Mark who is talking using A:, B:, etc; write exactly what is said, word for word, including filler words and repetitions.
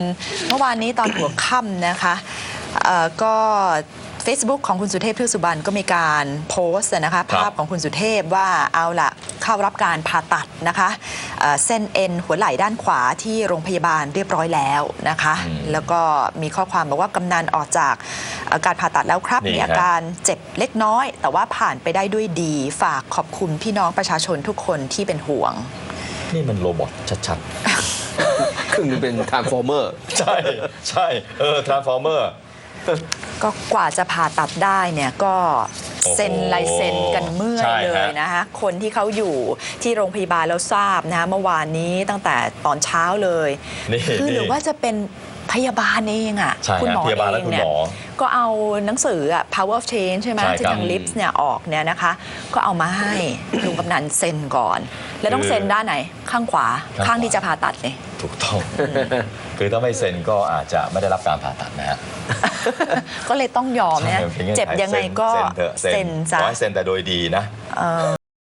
A: เมื่อวานนี้ตอนหัวค่ำนะคะก็ Facebook ของคุณสุเทพ เทือกสุบรรณก็มีการโพสต์นะคะภาพของคุณสุเทพว่าเอาล่ะเข้ารับการผ่าตัดนะคะเส้นเอ็นหัวไหล่ด้านขวาที่โรงพยาบาลเรียบร้อยแล้วนะคะแล้วก็มีข้อความบอกว่ากำนันออกจากการผ่าตัดแล้วครับมีอาการเจ็บเล็กน้อยแต่ว่าผ่านไปได้ด้วยดีฝากขอบคุณพี่น้องประชาชนทุกคนที่เป็นห่วง
B: นี่มันโรบอทชัด
C: ๆครึ่งนึงเป็นทรานส์ฟอร์เมอร์
B: ใช่ใช่เออทรานส์ฟอร์เมอร์
A: ก็กว่าจะผ่าตัดได้เนี่ยก็เซ็นลายเซ็นกันเมื่อยเลยนะคะคนที่เขาอยู่ที่โรงพยาบาลแล้วทราบนะคะเมื่อวานนี้ตั้งแต่ตอนเช้าเลยคือหรือว่าจะเป็นพยาบาลเองอ่ะ
B: คุณหมอเองเนี่ย
A: ก็เอาหนังสืออ่ะ power of change ใช่ไหมที่ทางลิฟส์เนี่ยออกเนี่ยนะคะก็เอามาให้ลุงกำนันเซ็นก่อนแล้วต้องเซ็นด้านไหนข้างขวาข้างที่จะผ่าตัดเนี่ย
B: ถูกต้องคือถ้าไม่เซ็นก็อาจจะไม่ได้รับการผ่าตัดนะฮะ
A: ก็เลยต้องยอมนะเจ็บยังไงก็เซ็นซะ
B: ขอให้เซ็นแต่โดยดีนะ